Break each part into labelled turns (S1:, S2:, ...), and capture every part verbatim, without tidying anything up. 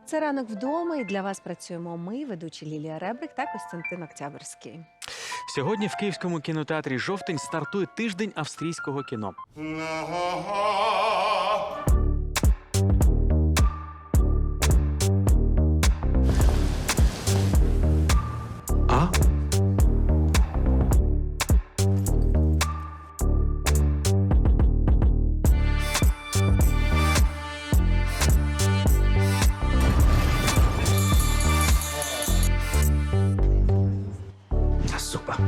S1: Це ранок вдома, і для вас працюємо ми, ведучі Лілія Ребрик та Костянтин Октябрьський.
S2: Сьогодні в Київському кінотеатрі «Жовтень» стартує тиждень австрійського кіно. А? Супер.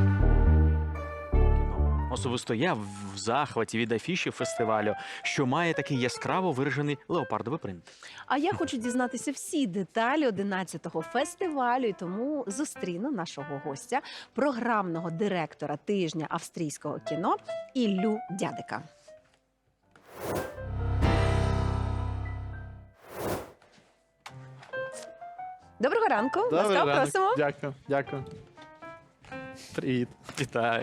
S2: Особисто я в захваті від афіші фестивалю, що має такий яскраво виражений леопардовий принт.
S1: А я хочу дізнатися всі деталі одинадцятого фестивалю, і тому зустріну нашого гостя, програмного директора тижня австрійського кіно Іллю Дядика. Доброго ранку. Ласкаво просимо.
S3: Дякую, дякую. Привіт.
S2: Вітаю.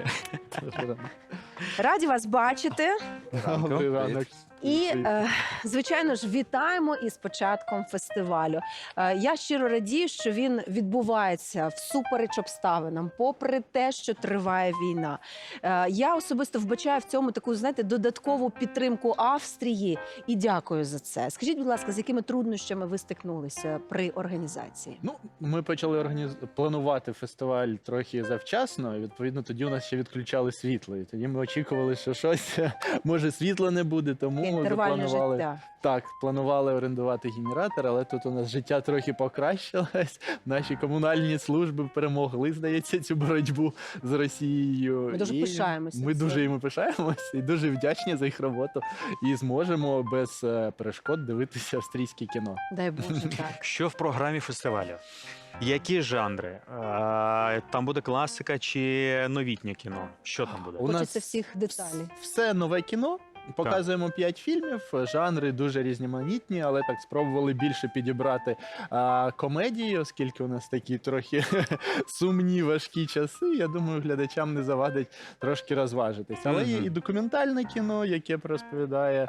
S1: Раді вас бачити.
S3: Добрий ранок.
S1: І, е, звичайно ж, вітаємо із початком фестивалю. Е, я щиро радію, що він відбувається всупереч обставинам, попри те, що триває війна. Е, я особисто вбачаю в цьому таку, знаєте, додаткову підтримку Австрії і дякую за це. Скажіть, будь ласка, з якими труднощами ви стикнулися при організації?
S3: Ну, ми почали організ... планувати фестиваль трохи завчасно, і, відповідно, тоді у нас ще відключали світло. І тоді ми очікували, що щось, може, світла не буде, тому
S1: Інтервальне
S3: запланували...
S1: життя.
S3: Так, планували орендувати генератор, але тут у нас життя трохи покращилось. Наші комунальні служби перемогли, здається, цю боротьбу з Росією.
S1: Ми дуже
S3: І
S1: пишаємося
S3: Ми
S1: цим.
S3: дуже їм пишаємося і дуже вдячні за їх роботу. І зможемо без е, перешкод дивитися австрійське кіно.
S1: Дай Боже, так.
S2: Що в програмі фестивалю? Які жанри? Е, Там буде класика чи новітнє кіно? Що там буде?
S3: У нас
S1: Хочеться всіх деталей.
S3: Все нове кіно. Показуємо п'ять фільмів, жанри дуже різноманітні, але так спробували більше підібрати а, комедії, оскільки у нас такі трохи сумні, важкі часи. Я думаю, глядачам не завадить трошки розважитись. Але є і документальне кіно, яке розповідає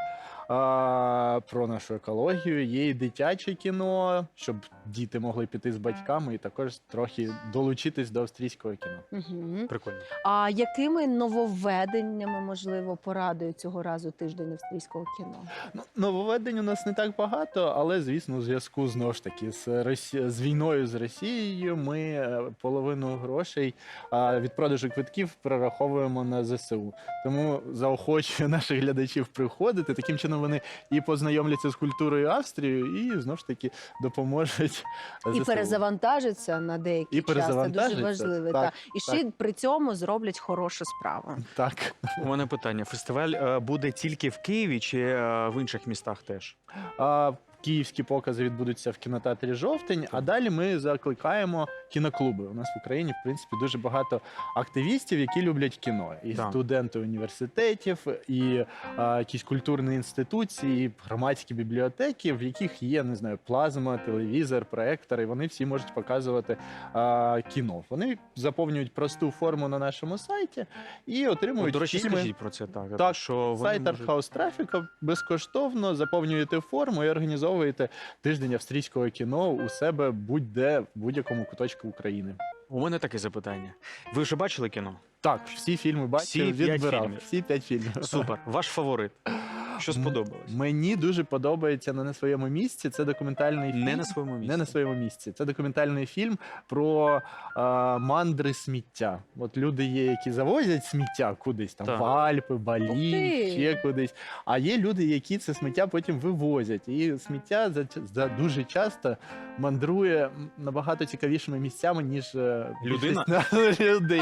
S3: а, про нашу екологію, є і дитяче кіно, щоб діти могли піти з батьками і також трохи долучитись до австрійського кіно.
S1: Угу.
S2: Прикольно.
S1: А якими нововведеннями, можливо, порадує цього разу тиждень австрійського кіно?
S3: Ну, нововведень у нас не так багато, але, звісно, у зв'язку знову ж таки з, Росі... з війною з Росією ми е, половину грошей а, від продажу квитків перераховуємо на зе се у. Тому заохочую наших глядачів приходити. Таким чином вони і познайомляться з культурою Австрії, і знову ж таки допоможуть зе се у.
S1: І перезавантажиться на деякий
S3: І
S1: час. Це дуже
S3: перезавантажиться,
S1: важливо.
S3: так,
S1: Так. І ще й при цьому зроблять хорошу справу.
S3: Так.
S2: У мене питання. Фестиваль е, буде тільки в Києві чи е, в інших містах теж?
S3: А, Київські покази відбудуться в кінотеатрі «Жовтень», а далі ми закликаємо кіноклуби. У нас в Україні, в принципі, дуже багато активістів, які люблять кіно. І
S2: Так.
S3: студенти університетів, і а, якісь культурні інституції, і громадські бібліотеки, в яких є, не знаю, плазма, телевізор, проектор, і вони всі можуть показувати а, кіно. Вони заповнюють просту форму на нашому сайті і
S2: От,
S3: отримують
S2: до речі,
S3: фільми.
S2: скажіть про це так.
S3: Так,
S2: що вони
S3: Сайт
S2: можуть...
S3: Артхаус Трафіка безкоштовно заповнюєте форму і організовуєте тиждень австрійського кіно у себе будь-де, в будь-якому куточку України.
S2: У мене таке запитання. Ви вже бачили кіно?
S3: Так, всі фільми бачив,
S2: Всі п'ять
S3: відбирав.
S2: фільмів?
S3: Всі п'ять фільмів.
S2: Супер. Ваш фаворит? Що сподобалось?
S3: Мені дуже подобається «Не на своєму місці». Це документальний фільм.
S2: Не на своєму місці.
S3: Не на своєму місці. Це документальний фільм про а, мандри сміття. От люди є, які завозять сміття кудись, там
S2: Так.
S3: в Альпи,
S1: Ух
S3: Балі,
S1: ти!
S3: ще кудись. А є люди, які це сміття потім вивозять. І сміття за, за дуже часто мандрує набагато цікавішими місцями, ніж е,
S2: Людина?
S3: більшість людей.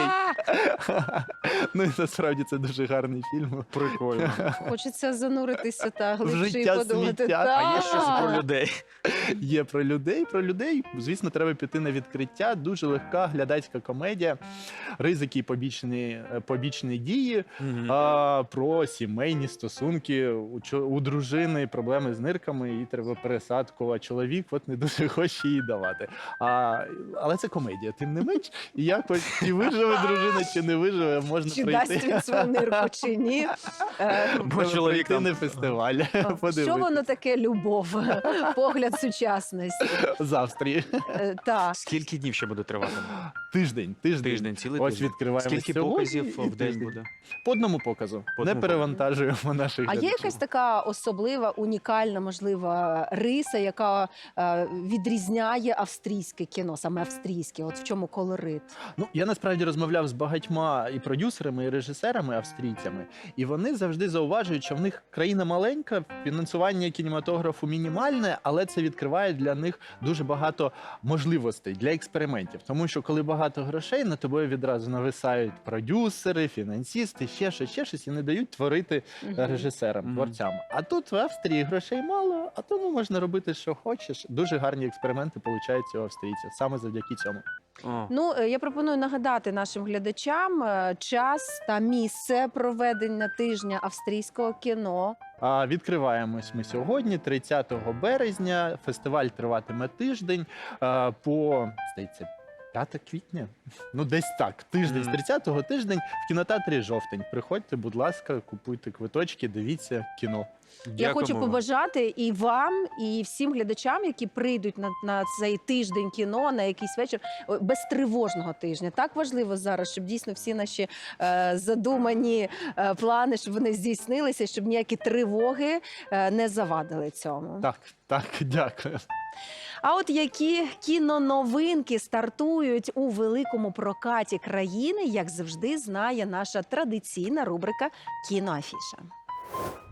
S1: А,
S3: Ну і насправді це дуже гарний фільм.
S2: Прикольно.
S1: хочеться зануритися та глибше і
S3: життя
S1: подумати.
S3: сміття.
S2: А є щось про
S1: Так.
S2: людей?
S3: Є про людей. Про людей, звісно, треба піти на відкриття. Дуже легка глядацька комедія, ризики і побічні, побічні дії,
S2: Мгм.
S3: а, про сімейні стосунки у, чо- у дружини, проблеми з нирками, їй треба пересадку, а чоловік от не дуже хоче її давати. А, але це комедія, тим не менш. І якось чи виживе дружина, чи не виживе, можна
S1: Чи
S3: прийти.
S1: дасть він свою нирку, чи ні. Е,
S2: Бо чоловік
S3: прийти
S2: там
S3: на фестиваль.
S1: Що
S3: Подивитись.
S1: воно таке любов, погляд сучасності?
S3: З Австрії.
S1: Е, Так.
S2: Скільки днів ще буде тривати?
S3: Тиждень, тиждень.
S2: Тиждень, цілий
S3: Ось
S2: тиждень.
S3: відкриваємо
S2: Скільки
S3: сьогодні
S2: показів
S3: і
S2: в день
S3: тиждень.
S2: буде?
S3: По одному показу.
S2: По
S3: Не
S2: одному
S3: перевантажуємо наших
S1: А є
S3: глядачів.
S1: якась така особлива, унікальна, можлива риса, яка е, відрізняє австрійське кіно, саме австрійське? От в чому колорит?
S3: Ну, я насправді розмовляв з багатьма і продюсерами, і режисерами австрійцями, і вони завжди зауважують, що в них країна маленька, фінансування кінематографу мінімальне, але це відкриває для них дуже багато можливостей для експериментів. Тому що коли багато грошей, на тобою відразу нависають продюсери, фінансисти, ще щось, ще щось, і не дають творити
S1: Мгм.
S3: режисерам,
S2: Мгм.
S3: творцям. А тут в Австрії грошей мало, а тому можна робити, що хочеш. Дуже гарні експерименти получаються у австрійців саме завдяки цьому.
S2: О,
S1: Ну, е, я пропоную нагадати нашим глядачам е, час та місце проведення тижня австрійського кіно.
S3: А відкриваємось ми сьогодні, тридцятого березня. Фестиваль триватиме тиждень а, по, здається, п'яте квітня. Ну, десь так. Тиждень з
S2: Мгм.
S3: тридцятого тиждень в кінотеатрі Жовтень. Приходьте, будь ласка, купуйте квиточки, дивіться кіно.
S1: Я
S2: дякуємо
S1: хочу
S2: вам.
S1: побажати і вам, і всім глядачам, які прийдуть на, на цей тиждень кіно, на якийсь вечір, о, безтривожного тижня. Так важливо зараз, щоб дійсно всі наші е, задумані е, плани, щоб вони здійснилися, щоб ніякі тривоги е, не завадили цьому.
S3: Так, так, дякую.
S1: А от які кіноновинки стартують у великому прокаті країни, як завжди знає наша традиційна рубрика «Кіноафіша».